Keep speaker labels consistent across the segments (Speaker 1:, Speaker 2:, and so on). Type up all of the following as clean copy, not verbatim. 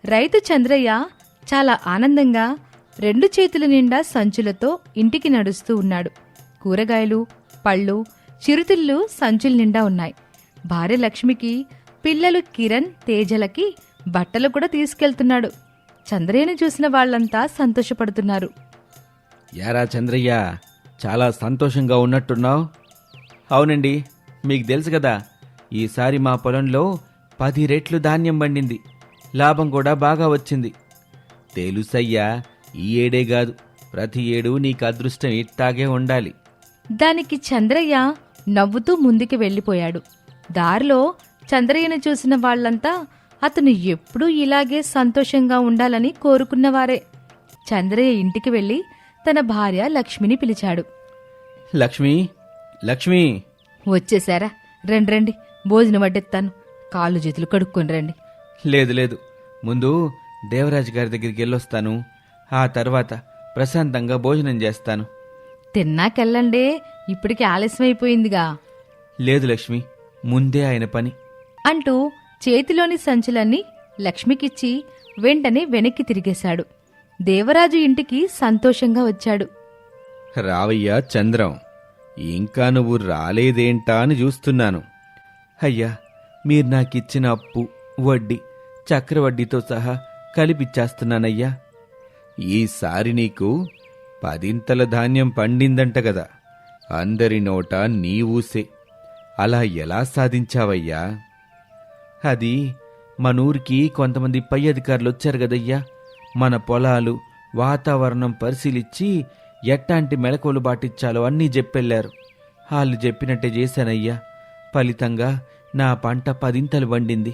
Speaker 1: రైతు చంద్రయ్య చాలా ఆనందంగా 2 చేతుల నిండా సంచులతో ఇంటికి నడుస్తూ ఉన్నాడు. కూరగాయలు, పళ్ళు, చిరుతిళ్ళు సంచుల నిండా ఉన్నాయి. భార్య లక్ష్మికి, పిల్లలు కిరణ్, తేజలకి బట్టలు కూడా తీసుకెళ్తున్నాడు. చంద్రయ్యను చూసిన వాళ్లంతా సంతోషపడుతున్నారు.
Speaker 2: యారా చంద్రయ్య, చాలా సంతోషంగా ఉన్నట్టున్నావు. అవునండి, మీకు తెలుసు కదా, ఈసారి మా పొలంలో 10 రెట్లు ధాన్యం పండింది. లాభం కూడా బాగా వచ్చింది. తెలుసయ్యా, ఈ ఏడే కాదు, ప్రతి ఏడు నీకు అదృష్టం ఇట్టాగే ఉండాలి.
Speaker 1: దానికి చంద్రయ్య నవ్వుతూ ముందుకు వెళ్ళిపోయాడు. దారిలో చంద్రయ్యను చూసిన వాళ్లంతా అతను ఎప్పుడూ ఇలాగే సంతోషంగా ఉండాలని కోరుకున్నవారే. చంద్రయ్య ఇంటికి వెళ్లి తన భార్య లక్ష్మిని పిలిచాడు.
Speaker 2: లక్ష్మి, లక్ష్మి!
Speaker 1: వచ్చేశారా? రండి, భోజనం వడ్డెత్తాను. కాళ్ళు చేతులు కడుక్కొని రండి.
Speaker 2: లేదు లేదు, ముందు దేవరాజు గారి దగ్గరికి వెళ్ళొస్తాను. ఆ తర్వాత ప్రశాంతంగా భోజనం చేస్తాను.
Speaker 1: తిన్నాకెళ్ళండే, ఇప్పటికి ఆలస్యమైపోయిందిగా.
Speaker 2: లేదు లక్ష్మి, ముందే ఆయన పని
Speaker 1: అంటూ చేతిలోని సంచులన్నీ లక్ష్మికిచ్చి వెంటనే వెనక్కి తిరిగేశాడు. దేవరాజు ఇంటికి సంతోషంగా వచ్చాడు.
Speaker 2: రావయ్యా చంద్రం, ఇంకా నువ్వు రాలేదేంటా అని చూస్తున్నాను. అయ్యా, మీరు నాకిచ్చిన అప్పు, వడ్డీ, చక్రవడ్డీతో సహా కలిపిచ్చేస్తున్నానయ్యా. ఈసారి నీకు 10 ధాన్యం పండిందంట కదా, అందరి నోట నీ ఊసే. అలా ఎలా సాధించావయ్యా? అది మనూరికి కొంతమంది పై అధికారులు వచ్చారు కదయ్యా. మన పొలాలు, వాతావరణం పరిశీలించి ఎట్టాంటి మెలకువలు పాటించాలో అన్నీ చెప్పెళ్లారు. వాళ్ళు చెప్పినట్టే చేశానయ్యా. ఫలితంగా నా పంట 10 పండింది.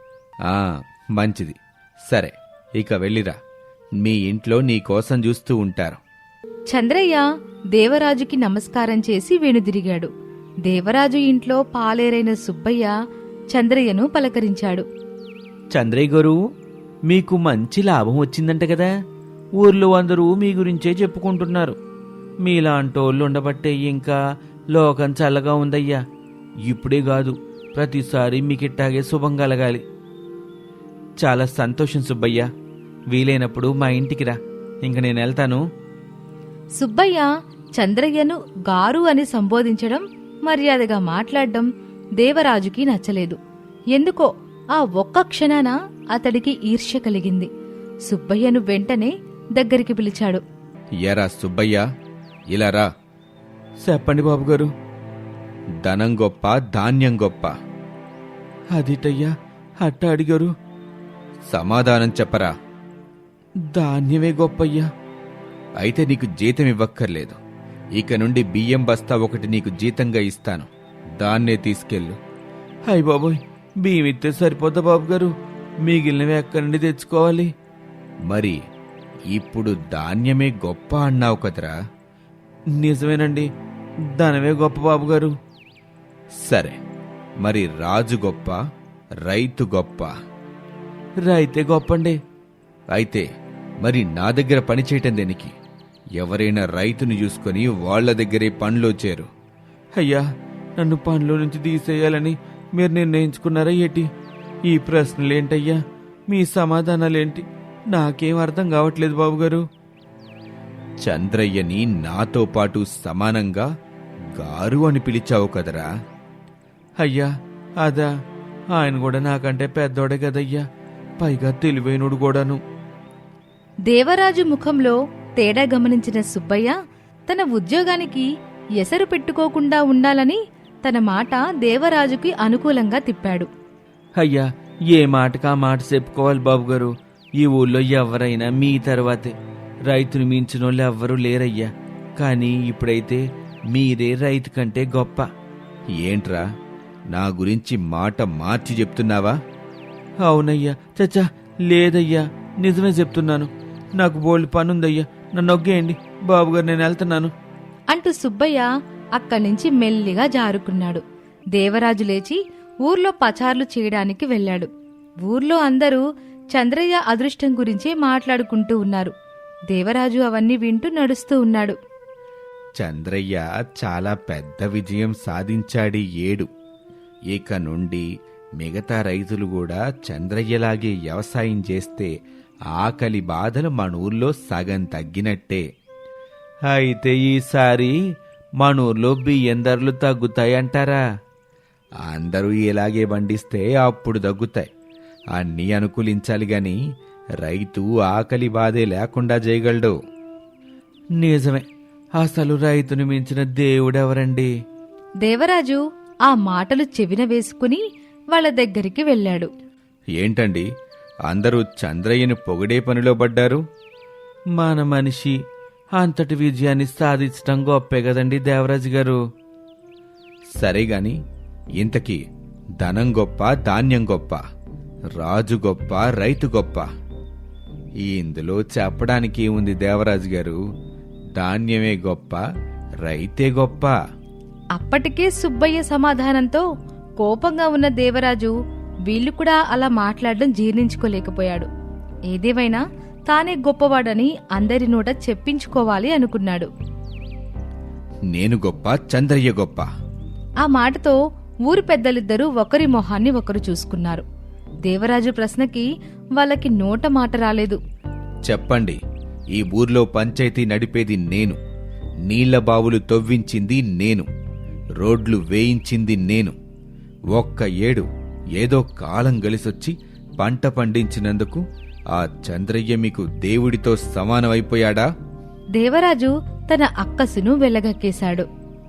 Speaker 2: మంచిది. సరే, ఇక వెళ్ళిరా. మీ ఇంట్లో నీకోసం చూస్తూ ఉంటారు.
Speaker 1: చంద్రయ్య దేవరాజుకి నమస్కారం చేసి వెనుదిరిగాడు. దేవరాజు ఇంట్లో పాలేరైన సుబ్బయ్య చంద్రయ్యను పలకరించాడు.
Speaker 2: చంద్రయ్య గారు, మీకు మంచి లాభం వచ్చిందంట కదా. ఊర్లో అందరూ మీ గురించే చెప్పుకుంటున్నారు. మీలాంటోళ్ళు ఉండబట్టే ఇంకా లోకం చల్లగా ఉందయ్యా. ఇప్పుడే కాదు, ప్రతిసారి మీకిట్టాగే శుభం కలగాలి. చాలా సంతోషం సుబ్బయ్య. వీలైనప్పుడు మా ఇంటికి రా. ఇంక నేను వెళ్తాను.
Speaker 1: సుబ్బయ్య చంద్రయ్యను గారు అని సంబోధించడం, మర్యాదగా మాట్లాడడం దేవరాజుకి నచ్చలేదు. ఎందుకో ఆ ఒక్క క్షణాన అతడికి ఈర్ష్య కలిగింది. సుబ్బయ్యను వెంటనే దగ్గరికి పిలిచాడు.
Speaker 2: ఎరా సుబ్బయ్య, ఇలా రా. చెప్పండి బాబుగారు. ధనం గొప్ప, ధాన్యం గొప్ప? అదిటయ్యా, అట్ట అడిగారు. సమాధానం చెప్పరా. ధాన్యమే గొప్పయ్యా. అయితే నీకు జీతం ఇవ్వక్కర్లేదు. ఇక నుండి బియ్యం బస్తా ఒకటి నీకు జీతంగా ఇస్తాను. దాన్నే తీసుకెళ్ళు. అయ్ బాబోయ్, బియ్యం ఇస్తే సరిపోద్దా బాబుగారు? మిగిలినవి ఎక్కడి నుండి తెచ్చుకోవాలి? మరి ఇప్పుడు ధాన్యమే గొప్ప అన్నావు కదరా. నిజమేనండి, ధనమే గొప్ప బాబుగారు. సరే, మరి రాజు గొప్ప, రైతు గొప్ప? రైతే గొప్పండి. అయితే మరి నా దగ్గర పనిచేయటం దేనికి? ఎవరైనా రైతుని చూసుకొని వాళ్ల దగ్గరే పనిలో చేరు. అయ్యా, నన్ను పనిలో నుంచి తీసేయాలని మీరు నిర్ణయించుకున్నారా ఏటి? ఈ ప్రశ్నలేంటయ్యా? మీ సమాధానాలేంటి? నాకేం అర్థం కావట్లేదు బాబుగారు. చంద్రయ్యని నాతో పాటు సమానంగా గారు అని పిలిచావు కదరా. అయ్యా, అదా? ఆయన కూడా నాకంటే పెద్దోడే కదయ్యా, పైగా తెలివైనడు కూడాను.
Speaker 1: దేవరాజు ముఖంలో తేడా గమనించిన సుబ్బయ్య తన ఉద్యోగానికి ఎసరు పెట్టుకోకుండా ఉండాలని తన మాట దేవరాజుకి అనుకూలంగా తిప్పాడు.
Speaker 2: అయ్యా, ఏ మాటకా మాట చెప్పుకోవాలి బాబుగారు. ఈ ఊళ్ళో ఎవరైనా మీ తర్వాతే. రైతును మించినోళ్ళు ఎవ్వరూ లేరయ్యా. కానీ ఇప్పుడైతే మీరే రైతు కంటే గొప్ప. ఏంట్రా, నా గురించి మాట మార్చి చెప్తున్నావా? అవునయ్యా. చచ్చా, లేదయ్యా, నిజమే చెప్తున్నాను. నాకు బోల్డ్ పనుందయ్యా, నన్ను ఒగ్గేయండి బాబుగారు, నేను వెళ్తున్నాను
Speaker 1: అంటూ సుబ్బయ్య అక్కడ్నుంచి మెల్లిగా జారుకున్నాడు. దేవరాజు లేచి ఊర్లో పచార్లు చేయడానికి వెళ్ళాడు. ఊర్లో అందరూ చంద్రయ్య అదృష్టం గురించే మాట్లాడుకుంటూ ఉన్నారు. దేవరాజు అవన్నీ వింటూ నడుస్తూ ఉన్నాడు.
Speaker 2: చంద్రయ్య చాలా పెద్ద విజయం సాధించాడి ఏడు. ఇక నుండి
Speaker 3: మిగతా రైతులు కూడా చంద్రయ్యలాగే వ్యవసాయం చేస్తే ఆకలి బాధలు మన ఊర్లో సగం తగ్గినట్టే.
Speaker 2: అయితే ఈసారి మన ఊర్లో బియ్యం ధరలు తగ్గుతాయంటారా?
Speaker 3: అందరూ ఇలాగే పండిస్తే అప్పుడు తగ్గుతాయి. అన్నీ అనుకూలించాలి గాని రైతు ఆకలి బాధే లేకుండా చేయగలడు.
Speaker 2: నిజమే. అసలు రైతుని మించిన దేవుడెవరండి?
Speaker 1: దేవరాజు ఆ మాటలు చెవిన వేసుకుని వాళ్ళ దగ్గరికి వెళ్ళాడు.
Speaker 3: ఏంటండి అందరూ చంద్రయ్యను పొగిడే పనిలో పడ్డారు?
Speaker 2: మన మనిషి అంతటి విజయాన్ని సాధించటం గొప్పే కదండి దేవరాజు గారు.
Speaker 3: సరేగాని ఇంతకీ ధనం గొప్ప, ధాన్యం గొప్ప, రాజు గొప్ప, రైతు గొప్ప? ఇందులో చెప్పడానికి ఉంది దేవరాజు గారు. ధాన్యమే గొప్ప, రైతే గొప్ప.
Speaker 1: అప్పటికే సుబ్బయ్య సమాధానంతో కోపంగా ఉన్న దేవరాజు వీళ్లు కూడా అలా మాట్లాడడం జీర్ణించుకోలేకపోయాడు. ఏదేమైనా తానే గొప్పవాడని అందరి నోట చెప్పించుకోవాలి అనుకున్నాడు.
Speaker 3: నేను గొప్ప, చంద్రయ్య గొప్ప.
Speaker 1: ఆ మాటతో ఊరి పెద్దలిద్దరూ ఒకరి మొహాన్ని ఒకరు చూసుకున్నారు. దేవరాజు ప్రశ్నకి వాళ్ళకి నోట మాట రాలేదు.
Speaker 3: చెప్పండి, ఈ ఊర్లో పంచాయతీ నడిపేది నేను, నీళ్ల బావులు తవ్వించింది నేను, రోడ్లు వేయించింది నేను. ఒక్క ఏడు ఏదో కాలం గలిసొచ్చి పంట పండించినందుకు ఆ చంద్రయ్య మీకు దేవుడితో సమానమైపోయాడా?
Speaker 1: దేవరాజు తన అక్కసును వెలగక్కేశాడు.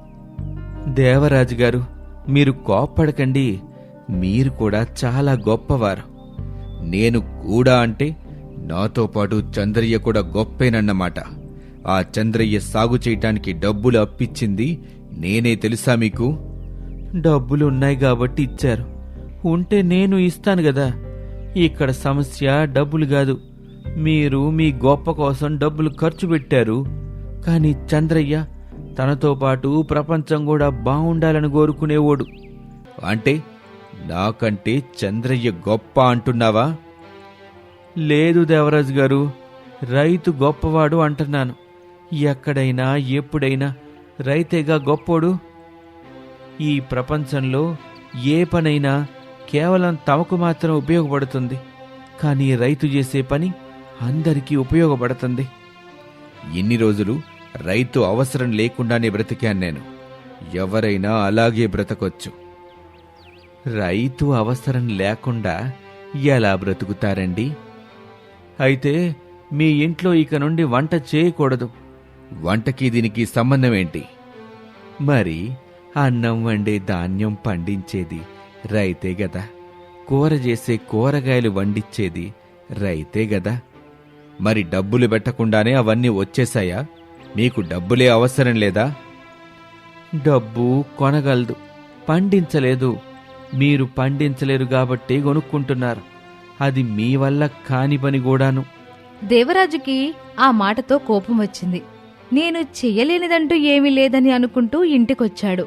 Speaker 2: దేవరాజు గారు, మీరు కోప్పడకండి.
Speaker 3: మీరు కూడా చాలా గొప్పవారు. నేను కూడా అంటే నాతో పాటు చంద్రయ్య కూడా గొప్పేనన్నమాట. ఆ చంద్రయ్య సాగు చేయటానికి డబ్బులు అప్పిచ్చింది నేనే, తెలుసా మీకు?
Speaker 2: డబ్బులు ఉన్నాయి కాబట్టి ఇచ్చారు. ఉంటే నేను ఇస్తాను గదా. ఇక్కడ సమస్య డబ్బులు కాదు. మీరు మీ గొప్ప కోసం డబ్బులు ఖర్చు పెట్టారు. కానీ చంద్రయ్య తనతో పాటు ప్రపంచం కూడా బావుండాలని కోరుకునేవాడు.
Speaker 3: అంటే నాకంటే చంద్రయ్య గొప్ప అంటున్నావా?
Speaker 2: లేదు దేవరాజు గారు, రైతు గొప్పవాడు అంటున్నాను. ఎక్కడైనా ఎప్పుడైనా రైతేగా గొప్పోడు. ఈ ప్రపంచంలో ఏ పనైనా కేవలం తమకు మాత్రం ఉపయోగపడుతుంది. కానీ రైతు చేసే పని అందరికీ ఉపయోగపడుతుంది.
Speaker 3: ఇన్ని రోజులు రైతు అవసరం లేకుండానే బ్రతికాను నేను. ఎవరైనా అలాగే బ్రతకొచ్చు.
Speaker 2: రైతు అవసరం లేకుండా ఎలా బ్రతుకుతారండి? అయితే మీ ఇంట్లో ఇక నుండి వంట చేయకూడదు.
Speaker 3: వంటకి దీనికి సంబంధమేంటి?
Speaker 2: మరి అన్నం వండే ధాన్యం పండించేది రైతే గదా. కూర చేసే కూరగాయలు వండిచ్చేది రైతే గదా.
Speaker 3: మరి డబ్బులు పెట్టకుండానే అవన్నీ వచ్చేశాయా? మీకు డబ్బులే అవసరం లేదా?
Speaker 2: డబ్బు కొనగలదు, పండించలేదు. మీరు పండించలేరు కాబట్టి కొనుక్కుంటున్నారు. అది మీ వల్ల కాని పని కూడాను.
Speaker 1: దేవరాజుకి ఆ మాటతో కోపం వచ్చింది. నేను చెయ్యలేనిదంటూ ఏమీ లేదని అనుకుంటూ ఇంటికొచ్చాడు.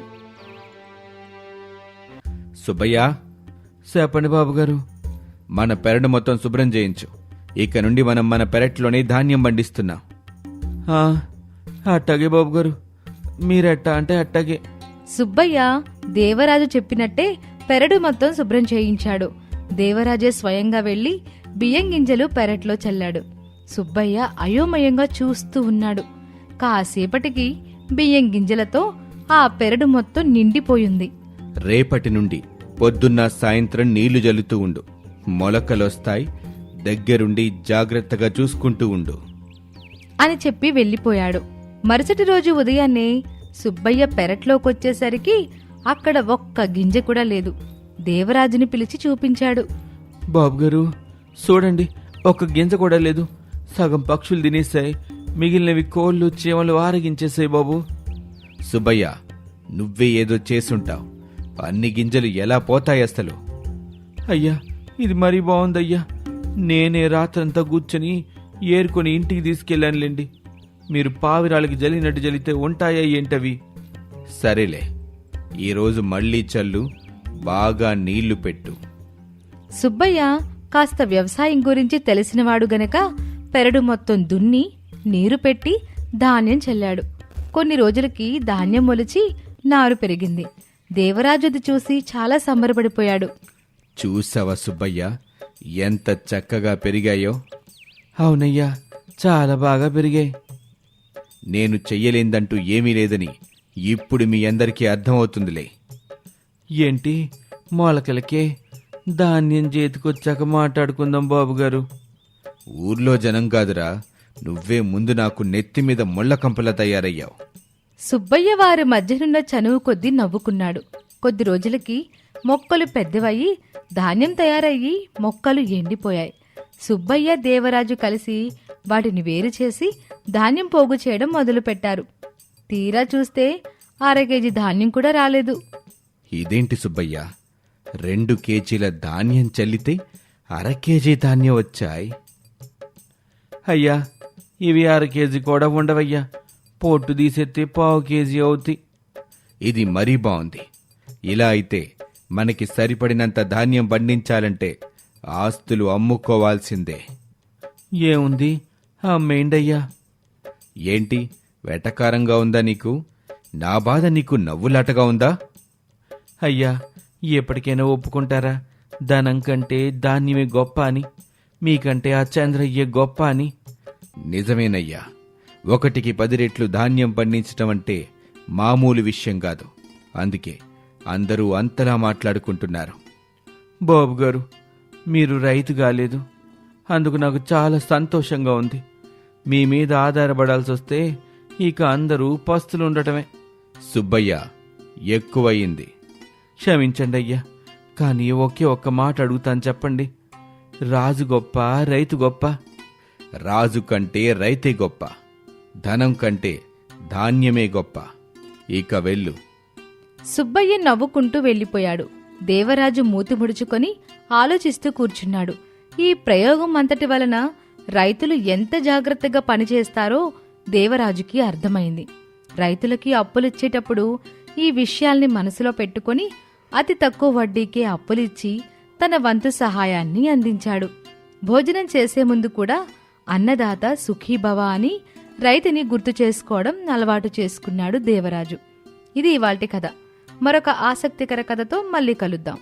Speaker 3: సుబ్బయ్య,
Speaker 2: చెప్పండి బాబుగారు.
Speaker 3: మన పెరడు మొత్తం శుభ్రం చేయించు. ఇక నుండి మనం మన పెరట్లోనే ధాన్యం పండిస్తున్నాం.
Speaker 2: అట్టాగే బాబుగారు, మీరెట్టా అంటే అట్టాగే.
Speaker 1: సుబ్బయ్య దేవరాజు చెప్పినట్టే పెరడు మొత్తం శుభ్రం చేయించాడు. దేవరాజే స్వయంగా వెళ్లి బియ్యం గింజలు పెరట్లో చల్లాడు. సుబ్బయ్య అయోమయంగా చూస్తూ ఉన్నాడు. కాసేపటికి బియ్యం గింజలతో ఆ పెరడు మొత్తం నిండిపోయింది.
Speaker 3: రేపటి నుండి పొద్దున్న సాయంత్రం నీళ్లు జల్లుతూ ఉండు. మొలకలొస్తాయి, దగ్గరుండి జాగ్రత్తగా చూసుకుంటూ ఉండు
Speaker 1: అని చెప్పి వెళ్ళిపోయాడు. మరుసటి రోజు ఉదయాన్నే సుబ్బయ్య పెరట్లోకొచ్చేసరికి అక్కడ ఒక్క గింజ కూడా లేదు. దేవరాజుని పిలిచి చూపించాడు.
Speaker 2: బాబుగారు చూడండి, ఒక్క గింజ కూడా లేదు. సగం పక్షులు తినేశాయి, మిగిలినవి కోళ్ళు చీమలు ఆరగించేశాయి బాబు.
Speaker 3: సుబ్బయ్య, నువ్వే ఏదో చేసుంటావు. అన్ని గింజలు ఎలా పోతాయి అసలు?
Speaker 2: అయ్యా, ఇది మరీ బాగుందయ్యా. నేనే రాత్రంతా కూర్చొని ఏరుకొని ఇంటికి తీసుకెళ్ళానులేండి. మీరు పావిరాలకి జల్లినట్టు జల్లితే ఉంటాయా ఏంటవి?
Speaker 3: సరేలే, ఈరోజు మళ్లీ చల్లు, బాగా నీళ్లు పెట్టు.
Speaker 1: సుబ్బయ్య కాస్త వ్యవసాయం గురించి తెలిసినవాడు గనక పెరడు మొత్తం దున్ని నీరు పెట్టి ధాన్యం చల్లాడు. కొన్ని రోజులకి ధాన్యం మొలిచి నారు పెరిగింది. దేవరాజుది చూసి చాలా సంబరపడిపోయాడు.
Speaker 3: చూసావా సుబ్బయ్య, ఎంత చక్కగా పెరిగాయో.
Speaker 2: అవునయ్యా, చాలా బాగా పెరిగాయి.
Speaker 3: నేను చెయ్యలేందంటూ ఏమీ లేదని ఇప్పుడు మీ అందరికీ అర్థమవుతుందిలే.
Speaker 2: ఏంటి మొలకలకే? ధాన్యం చేతికొచ్చాక మాట్లాడుకుందాం బాబుగారు.
Speaker 3: ఊర్లో జనం కాదురా, నువ్వే ముందు నాకు నెత్తిమీద ముళ్ళ కంపలా తయారయ్యావు.
Speaker 1: సుబ్బయ్య వారి మధ్యనున్న చనువు కొద్దీ నవ్వుకున్నాడు. కొద్ది రోజులకి మొక్కలు పెద్దవయ్యి ధాన్యం తయారయ్యి మొక్కలు ఎండిపోయాయి. సుబ్బయ్య దేవరాజు కలిసి వాటిని వేరు చేసి ధాన్యం పోగు చేయడం మొదలుపెట్టారు. తీరా చూస్తే 1/2 కేజీ ధాన్యం కూడా రాలేదు.
Speaker 3: ఇదేంటి సుబ్బయ్య, 2 కేజీల ధాన్యం చల్లితే 1/2 కేజీ ధాన్యం వచ్చాయి.
Speaker 2: అయ్యా, ఇవి 1/2 కేజీ కూడా ఉండవయ్యా. పొట్టు తీసేస్తే 1/4 కేజీ అవుతాయి.
Speaker 3: ఇది మరీ బాగుంది. ఇలా అయితే మనకి సరిపడినంత ధాన్యం పండించాలంటే ఆస్తులు అమ్ముకోవాల్సిందే.
Speaker 2: ఏముంది, అమ్మేండయ్యా.
Speaker 3: ఏంటి వెటకారంగా ఉందా నీకు? నా బాధ నీకు నవ్వులాటగా ఉందా?
Speaker 2: అయ్యా, ఎప్పటికైనా ఒప్పుకుంటారా ధనం కంటే ధాన్యమే గొప్ప అని? మీకంటే ఆ చంద్రయ్యే గొప్ప అని?
Speaker 3: నిజమేనయ్యా, 1కి 10 రెట్లు ధాన్యం పండించటం అంటే మామూలు విషయం కాదు. అందుకే అందరూ అంతలా మాట్లాడుకుంటున్నారు.
Speaker 2: బాబుగారు, మీరు రైతు కాలేదు, అందుకు నాకు చాలా సంతోషంగా ఉంది. మీ మీద ఆధారపడాల్సి వస్తే ఇక అందరూ పస్తులుండటమే.
Speaker 3: సుబ్బయ్య, ఎక్కువయింది.
Speaker 2: క్షమించండి అయ్యా, కానీ ఒకే ఒక్క మాట అడుగుతాను, చెప్పండి. రాజు గొప్ప, రైతు గొప్ప?
Speaker 3: రాజు కంటే రైతే గొప్ప, ధనం కంటే ధాన్యమే గొప్ప. ఇక వెళ్ళు.
Speaker 1: సుబ్బయ్య నవ్వుకుంటూ వెళ్ళిపోయాడు. దేవరాజు మూతి ముడుచుకొని ఆలోచిస్తూ కూర్చున్నాడు. ఈ ప్రయోగం అంతటి వలన రైతులు ఎంత జాగ్రత్తగా పనిచేస్తారో దేవరాజుకి అర్థమైంది. రైతులకి అప్పులిచ్చేటప్పుడు ఈ విషయాల్ని మనసులో పెట్టుకొని అతి తక్కువ వడ్డీకే అప్పులిచ్చి తన వంతు సహాయాన్ని అందించాడు. భోజనం చేసే ముందు కూడా అన్నదాత సుఖీభవ అని రైతుని గుర్తు చేసుకోవడం అలవాటు చేసుకున్నాడు దేవరాజు. ఇది ఇవాల్టి కథ. మరొక ఆసక్తికర కథతో మళ్ళీ కలుద్దాం.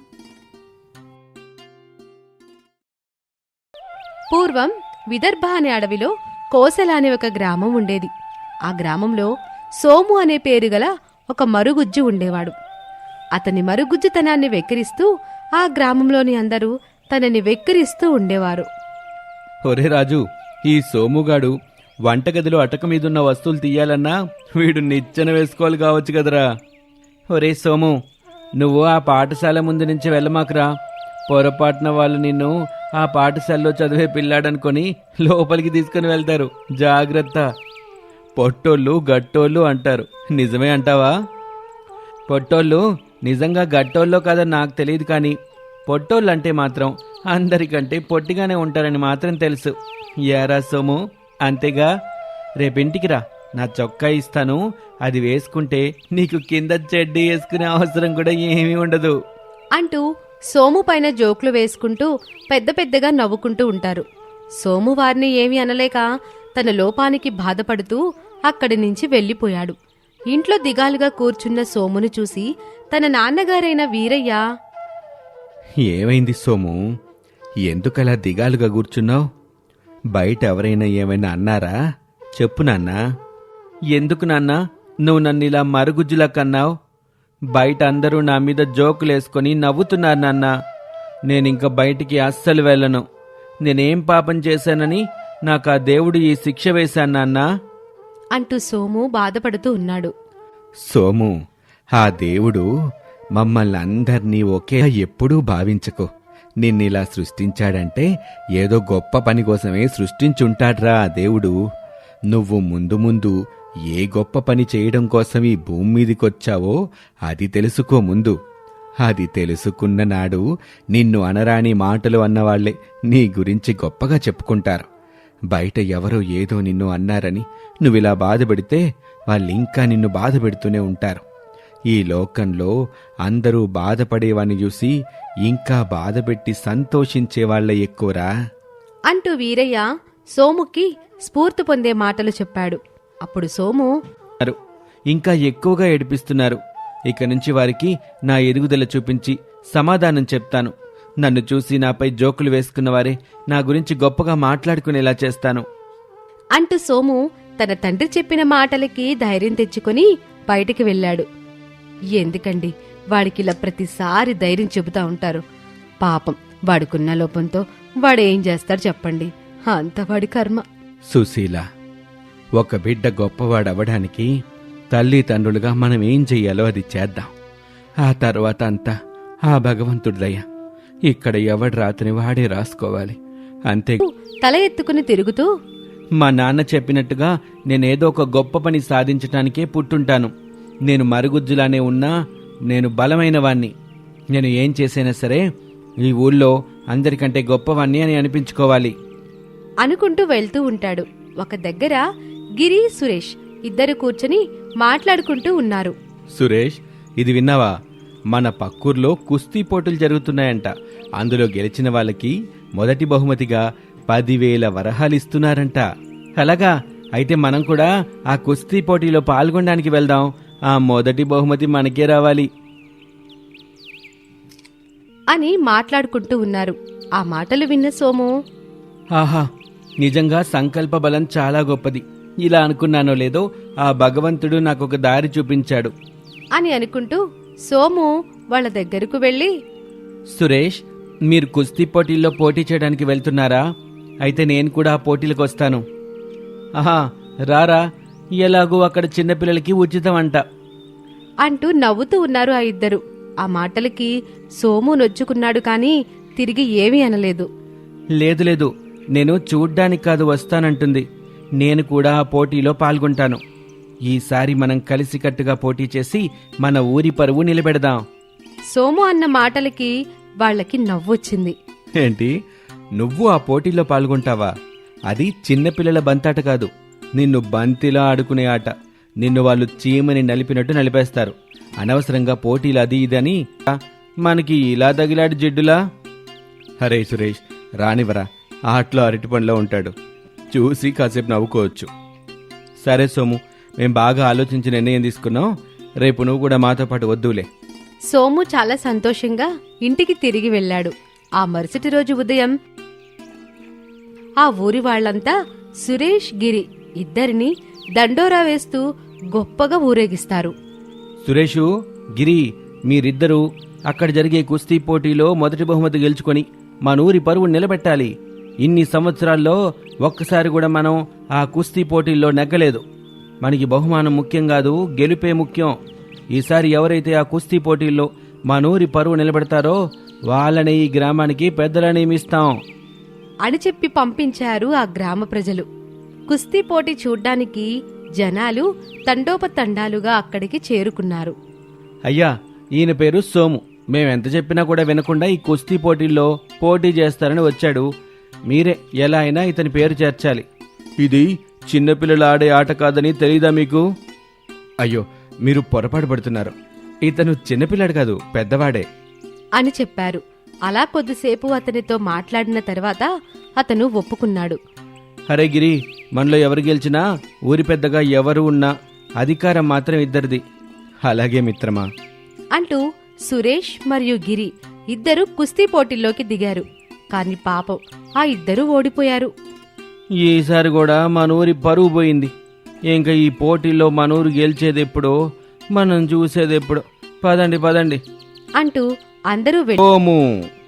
Speaker 1: పూర్వం విదర్భ అనే అడవిలో కోసల అనే ఒక గ్రామం ఉండేది. ఆ గ్రామంలో సోము అనే పేరు గల ఒక మరుగుజ్జు ఉండేవాడు. అతని మరుగుజ్జుతనాన్ని వెక్కిరిస్తూ ఆ గ్రామంలోని అందరూ తనని వెక్కిరిస్తూ ఉండేవారు.
Speaker 2: ఒరే రాజు, ఈ సోముగాడు వంటగదిలో అటక మీదున్న వస్తువులు తీయాలన్నా వీడు నిచ్చెన వేసుకోవాలి కావచ్చు కదరా. ఒరే సోము, నువ్వు ఆ పాఠశాల ముందు నుంచి వెళ్ళమాకురా. పొరపాటున వాళ్ళు నిన్ను ఆ పాఠశాలలో చదివే పిల్లాడనుకొని లోపలికి తీసుకుని వెళ్తారు, జాగ్రత్త. పొట్టోళ్ళు గట్టోళ్ళు అంటారు, నిజమే అంటావా? పొట్టోళ్ళు నిజంగా గట్టోళ్ళో కాదని నాకు తెలియదు, కానీ పొట్టోళ్ళు అంటే మాత్రం అందరికంటే పొట్టిగానే ఉంటారని మాత్రం తెలుసు. యారా సోము, అంతేగా? రేపింటికి రా, నా చొక్కా ఇస్తాను, అది వేసుకుంటే నీకు కింద చెడ్డీ వేసుకునే అవసరం కూడా ఏమీ ఉండదు
Speaker 1: అంటూ సోము పైన జోకులు వేసుకుంటూ పెద్ద పెద్దగా నవ్వుకుంటూ ఉంటారు. సోము వారిని ఏమీ అనలేక తన లోపానికి బాధపడుతూ అక్కడి నుంచి వెళ్ళిపోయాడు. ఇంట్లో దిగాలుగా కూర్చున్న సోమును చూసి తన నాన్నగారైన వీరయ్య,
Speaker 3: ఏమైంది సోము, ఎందుకలా దిగాలుగా కూర్చున్నావు? బయట ఎవరైనా ఏమైనా అన్నారా? చెప్పు నాన్నా.
Speaker 2: ఎందుకు నాన్నా నువ్వు నన్ను ఇలా మరుగుజ్జులా కన్నావు? బయట అందరూ నా మీద జోకులేసుకొని నవ్వుతున్నారు నాన్నా. నేనింక బయటికి అస్సలు వెళ్ళను. నేనేం పాపం చేశానని నాకు ఆ దేవుడు ఈ శిక్ష వేశాను నాన్నా
Speaker 1: అంటూ సోము బాధపడుతూ ఉన్నాడు.
Speaker 3: సోము, ఆ దేవుడు మమ్మల్ని అందర్నీ ఒకే ఎప్పుడూ భావించకు. నిన్నిలా సృష్టించాడంటే ఏదో గొప్ప పని కోసమే సృష్టించుంటాడ్రా ఆ దేవుడు. నువ్వు ముందు ముందు ఏ గొప్ప పని చేయడం కోసం ఈ భూమి మీదికొచ్చావో అది తెలుసుకో ముందు. అది తెలుసుకున్న నాడు నిన్ను అనరాని మాటలు అన్నవాళ్లే నీ గురించి గొప్పగా చెప్పుకుంటారు. బయట ఎవరో ఏదో నిన్ను అన్నారని నువ్విలా బాధపెడితే వాళ్ళింకా నిన్ను బాధపెడుతూనే ఉంటారు. ఈ లోకంలో అందరూ బాధపడేవాణ్ణి చూసి ఇంకా బాధపెట్టి సంతోషించేవాళ్లే ఎక్కువరా
Speaker 1: అంటూ వీరయ్య సోముకి స్ఫూర్తి పొందే మాటలు చెప్పాడు. అప్పుడు సోము,
Speaker 2: ఇంకా ఎక్కువగా ఏడిపిస్తున్నారు. ఇక నుంచి వారికి నా ఎదుగుదల చూపించి సమాధానం చెప్తాను. నన్ను చూసి నాపై జోకులు వేసుకున్నవారే నా గురించి గొప్పగా మాట్లాడుకునేలా చేస్తాను.
Speaker 1: అంటూ సోము తన తండ్రి చెప్పిన మాటలకి ధైర్యం తెచ్చుకొని బయటికి వెళ్ళాడు. ఎందుకండి వాడికిలా ప్రతిసారి ధైర్యం చెబుతా ఉంటారు? పాపం వాడికున్న లోపంతో వాడేం చేస్తాడు చెప్పండి, అంత వాడి కర్మ.
Speaker 3: సుశీల, ఒక బిడ్డ గొప్పవాడవడానికి తల్లిదండ్రులుగా మనం ఏం చెయ్యాలో అది చేద్దాం. ఆ తర్వాత అంతా ఆ భగవంతుడిదయ్యా. ఇక్కడ ఎవడి రాతని వాడే రాసుకోవాలి, అంతే.
Speaker 1: తల ఎత్తుకుని తిరుగుతూ,
Speaker 2: మా నాన్న చెప్పినట్టుగా నేనేదో ఒక గొప్ప పని సాధించటానికే పుట్టుంటాను. నేను మరుగుజ్జులానే ఉన్నా నేను బలమైన వాణ్ణి. నేను ఏం చేసైనా సరే ఈ ఊళ్ళో అందరికంటే గొప్పవాణ్ణి అని అనిపించుకోవాలి
Speaker 1: అనుకుంటూ వెళ్తూ ఉంటాడు. ఒక దగ్గర గిరి, సురేష్ ఇద్దరు కూర్చొని మాట్లాడుకుంటూ ఉన్నారు.
Speaker 3: సురేష్, ఇది విన్నావా? మన పక్కూర్లో కుస్తీ పోటీలు జరుగుతున్నాయంట. అందులో గెలిచిన వాళ్ళకి మొదటి బహుమతిగా 10,000 వరహాలిస్తున్నారంట.
Speaker 2: అలాగా? అయితే మనం కూడా ఆ కుస్తీ పోటీలో పాల్గొనడానికి వెళ్దాం. ఆ మొదటి బహుమతి మనకే రావాలి
Speaker 1: అని మాట్లాడుకుంటూ ఉన్నారు. ఆ మాటలు విన్న సోము,
Speaker 2: ఆహా, నిజంగా సంకల్ప బలం చాలా గొప్పది. ఇలా అనుకున్నానో లేదో ఆ భగవంతుడు నాకొక దారి చూపించాడు
Speaker 1: అని అనుకుంటూ సోము వాళ్ళ దగ్గరకు వెళ్ళి,
Speaker 2: సురేష్, మీరు కుస్తీ పోటీల్లో పోటీ చేయడానికి వెళ్తున్నారా? అయితే నేను కూడా ఆ పోటీలకు వస్తాను. ఆహా, రారా, ఎలాగూ అక్కడ చిన్నపిల్లలకి ఉచితం అంట
Speaker 1: అంటూ నవ్వుతూ ఉన్నారు ఆ ఇద్దరు. ఆ మాటలకి సోము నొచ్చుకున్నాడు కాని తిరిగి ఏమీ అనలేదు.
Speaker 2: లేదు లేదు, నేను చూడ్డానికి కాదు వస్తానంటుంది. నేను కూడా ఆ పోటీలో పాల్గొంటాను. ఈసారి మనం కలిసికట్టుగా పోటీ చేసి మన ఊరి పరువు నిలబెడదాం.
Speaker 1: సోము అన్న మాటలకి వాళ్ళకి నవ్వొచ్చింది.
Speaker 3: ఏంటి, నువ్వు ఆ పోటీలో పాల్గొంటావా? అది చిన్నపిల్లల బంతాట కాదు, నిన్ను బంతిలా ఆడుకునే ఆట. నిన్ను వాళ్ళు చీమని నలిపినట్టు నలిపేస్తారు. అనవసరంగా పోటీలు అది ఇదని మనకి ఇలా తగిలాడు జిడ్డులా. హరే సురేష్, రానివరా, ఆటలో అరటిపండ్లో ఉంటాడు. చూసి కాసేపు నవ్వుకోవచ్చు. సరే సోము, మేం బాగా ఆలోచించి నిర్ణయం తీసుకున్నాం. రేపు నువ్వు కూడా మాతో పాటు వద్దులే.
Speaker 1: సోము చాలా సంతోషంగా ఇంటికి తిరిగి వెళ్ళాడు. ఆ మరుసటి రోజు ఉదయం ఆ ఊరి వాళ్లంతా సురేష్, గిరి ఇద్దరిని దండోరా వేస్తూ గొప్పగా ఊరేగిస్తారు.
Speaker 2: సురేషు, గిరి, మీరిద్దరూ అక్కడ జరిగే కుస్తీ పోటీలో మొదటి బహుమతి గెలుచుకొని మన ఊరి పరువు నిలబెట్టాలి. ఇన్ని సంవత్సరాల్లో ఒక్కసారి కూడా మనం ఆ కుస్తీ పోటీల్లో నెగ్గలేదు. మనకి బహుమానం ముఖ్యం కాదు, గెలుపే ముఖ్యం. ఈసారి ఎవరైతే ఆ కుస్తీ పోటీల్లో మన ఊరి పరువు నిలబెడతారో వాళ్ళని ఈ గ్రామానికి పెద్దలా నియమిస్తాం
Speaker 1: అని చెప్పి పంపించారు ఆ గ్రామ ప్రజలు. కుస్తీ పోటీ చూడ్డానికి జనాలు తండోపతండాలుగా అక్కడికి చేరుకున్నారు.
Speaker 2: అయ్యా, ఈయన పేరు సోము. మేమెంత చెప్పినా కూడా వినకుండా ఈ కుస్తీ పోటీల్లో పోటీ చేస్తారని వచ్చాడు. మీరే ఎలా అయినా ఇతని పేరు చేర్చాలి. ఇది చిన్నపిల్లలు ఆడే ఆట కాదని తెలీదా మీకు?
Speaker 3: అయ్యో, మీరు పొరపాటు పడుతున్నారు. ఇతను చిన్నపిల్లాడు కాదు, పెద్దవాడే
Speaker 1: అని చెప్పారు. అలా కొద్దిసేపు అతనితో మాట్లాడిన తర్వాత అతను ఒప్పుకున్నాడు.
Speaker 2: హరే గిరి, మనలో ఎవరు గెలిచినా ఊరి పెద్దగా ఎవరు ఉన్నా అధికారం మాత్రం ఇద్దరిది.
Speaker 3: అలాగే మిత్రమా
Speaker 1: అంటూ సురేష్ మరియు గిరి ఇద్దరు కుస్తీ పోటీల్లోకి దిగారు. కాని పాపం ఆ ఇద్దరూ ఓడిపోయారు.
Speaker 2: ఈసారి కూడా మన ఊరి పరువు పోయింది. ఇంకా ఈ పోటీల్లో మన ఊరు గెలిచేదెప్పుడో, మనం చూసేదెప్పుడో. పదండి పదండి
Speaker 1: అంటూ అందరూ
Speaker 2: సోము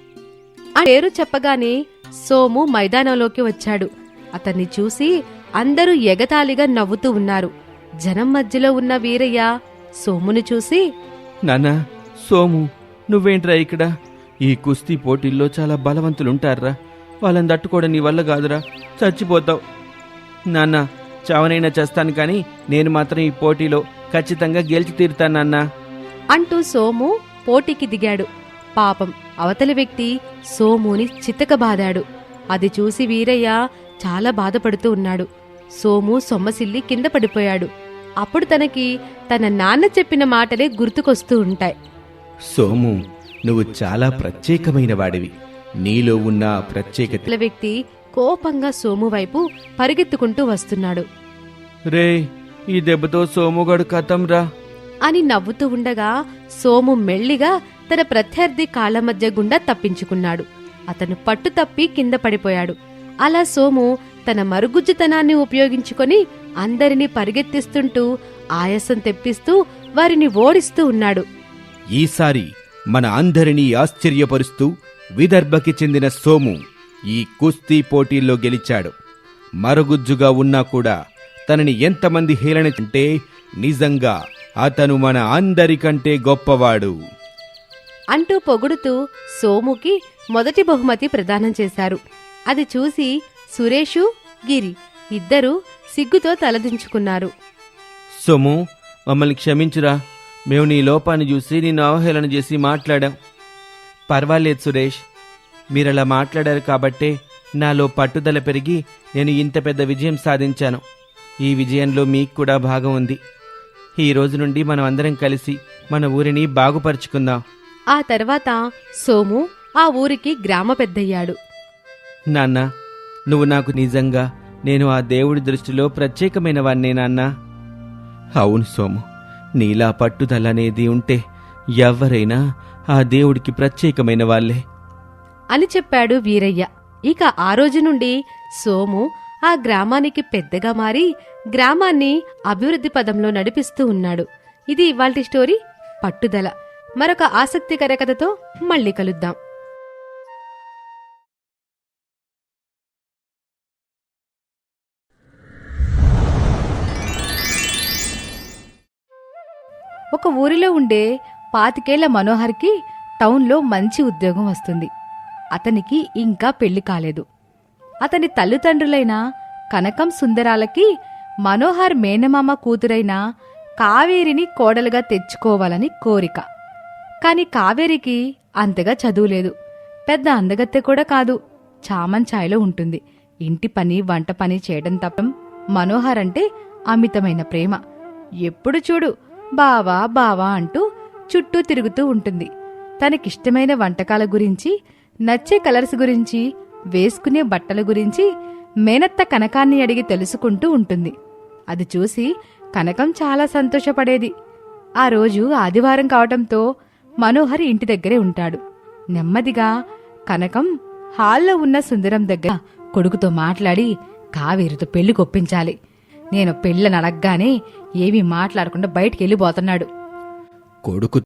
Speaker 1: ఆ పేరు చెప్పగానే సోము మైదానంలోకి వచ్చాడు. అతన్ని చూసి అందరూ ఎగతాళిగా నవ్వుతూ ఉన్నారు. జనం మధ్యలో ఉన్న వీరయ్య సోముని చూసి,
Speaker 2: నాన్నా, సోము, నువ్వేంట్రా ఇక్కడ? ఈ కుస్తీ పోటీల్లో చాలా బలవంతులుంటారా, వాళ్ళని తట్టుకోవడం నీ వల్ల కాదురా, చచ్చిపోతావు. నాన్న, చావనైనా చేస్తాను కానీ నేను మాత్రం ఈ పోటీలో ఖచ్చితంగా గెలిచి తీరుతాను నాన్నా
Speaker 1: అంటూ సోము పోటీకి దిగాడు. పాపం అవతలి వ్యక్తి సోముని చితకబాదాడు. అది చూసి వీరయ్య చాలా బాధపడుతూ ఉన్నాడు. సోము సొమ్మసిల్లి కింద పడిపోయాడు. అప్పుడు తనకి తన నాన్న చెప్పిన మాటలే గుర్తుకొస్తూ ఉంటాయి.
Speaker 3: సోము, నువ్వు చాలా ప్రత్యేకమైన వాడివి. నీలో ఉన్న ప్రత్యేకత.
Speaker 1: వ్యక్తి కోపంగా సోము వైపు పరిగెత్తుకుంటూ వస్తున్నాడు.
Speaker 2: రే, ఈ దెబ్బతో సోముగాడు కథం రా
Speaker 1: అని నవ్వుతూ ఉండగా సోము మెల్లిగా
Speaker 4: తన ప్రత్యర్థి కాళ్ల మధ్య గుండా తప్పించుకున్నాడు. అతను పట్టు తప్పి కింద పడిపోయాడు. అలా సోము తన మరుగుజ్జుతనాన్ని ఉపయోగించుకొని అందరినీ పరిగెత్తిస్తుంటూ ఆయాసం తెప్పిస్తూ వారిని ఓడిస్తూ ఉన్నాడు.
Speaker 3: ఈసారి మన అందరినీ ఆశ్చర్యపరుస్తూ విదర్భకి చెందిన సోము ఈ కుస్తీ పోటీల్లో గెలిచాడు. మరుగుజ్జుగా ఉన్నా కూడా తనని ఎంతమంది హేళన అంటే నిజంగా అతను మన అందరికంటే గొప్పవాడు
Speaker 4: అంటూ పొగుడుతూ సోముకి మొదటి బహుమతి ప్రదానం చేశారు. అది చూసి సురేషు, గిరి ఇద్దరూ సిగ్గుతో తలదించుకున్నారు.
Speaker 2: సోము, మమ్మల్ని క్షమించురా. మేము నీ లోపాన్ని చూసి నిన్ను అవహేళన చేసి మాట్లాడాం. పర్వాలేదు సురేష్, మీరలా మాట్లాడారు కాబట్టే నాలో పట్టుదల పెరిగి నేను ఇంత పెద్ద విజయం సాధించాను. ఈ విజయంలో మీకు కూడా భాగం ఉంది. ఈ రోజు నుండి మనం అందరం కలిసి మన ఊరిని బాగుపరుచుకుందాం.
Speaker 4: ఆ తర్వాత సోము ఆ ఊరికి గ్రామ పెద్దయ్యాడు.
Speaker 2: నాన్న, నువ్వు నాకు నిజంగా నేను ఆ దేవుడి దృష్టిలో ప్రత్యేకమైన వాణ్ణే నాన్నా. అవును సోము, నీలా పట్టుదల అనేది ఉంటే ఎవరైనా ఆ దేవుడికి ప్రత్యేకమైన వాళ్ళే
Speaker 4: అని చెప్పాడు వీరయ్య. ఇక ఆ రోజు నుండి సోము ఆ గ్రామానికి పెద్దగా మారి గ్రామాన్ని అభివృద్ధి పదంలో నడిపిస్తూ ఉన్నాడు. ఇది ఇవాల్టి స్టోరీ పట్టుదల. మరొక ఆసక్తికర కథతో మళ్ళీ కలుద్దాం.
Speaker 1: ఒక ఊరిలో ఉండే 25 మనోహర్కి టౌన్లో మంచి ఉద్యోగం వస్తుంది. అతనికి ఇంకా పెళ్లి కాలేదు. అతని తల్లిదండ్రులైన కనకం సుందరాలకి మనోహర్ మేనమామ కూతురైన కావేరిని కోడలుగా తెచ్చుకోవాలని కోరిక. కాని కావేరికి అంతగా చదువులేదు. పెద్ద అందగత్తె కూడా కాదు. చామంచాయలో ఉంటుంది. ఇంటి పని వంట పని చేయడం తప్ప మనోహర్ అంటే అమితమైన ప్రేమ. ఎప్పుడు చూడు బావా బావా అంటూ చుట్టూ తిరుగుతూ ఉంటుంది. తనకిష్టమైన వంటకాల గురించి, నచ్చే కలర్స్ గురించి, వేసుకునే బట్టల గురించి మేనత్త కనకాన్ని అడిగి తెలుసుకుంటూ ఉంటుంది. అది చూసి కనకం చాలా సంతోషపడేది. ఆ రోజు ఆదివారం కావటంతో మనోహర్ ఇంటి దగ్గరే ఉంటాడు. నెమ్మదిగా కనకం హాల్లో ఉన్న సుందరం దగ్గర కొడుకుతో మాట్లాడి కావేరితో పెళ్లి కొప్పించాలి. నేను పెళ్ళని అడగగానే ఏమీ మాట్లాడకుండా బయటికి వెళ్ళిపోతున్నాడు.
Speaker 3: కొడుకు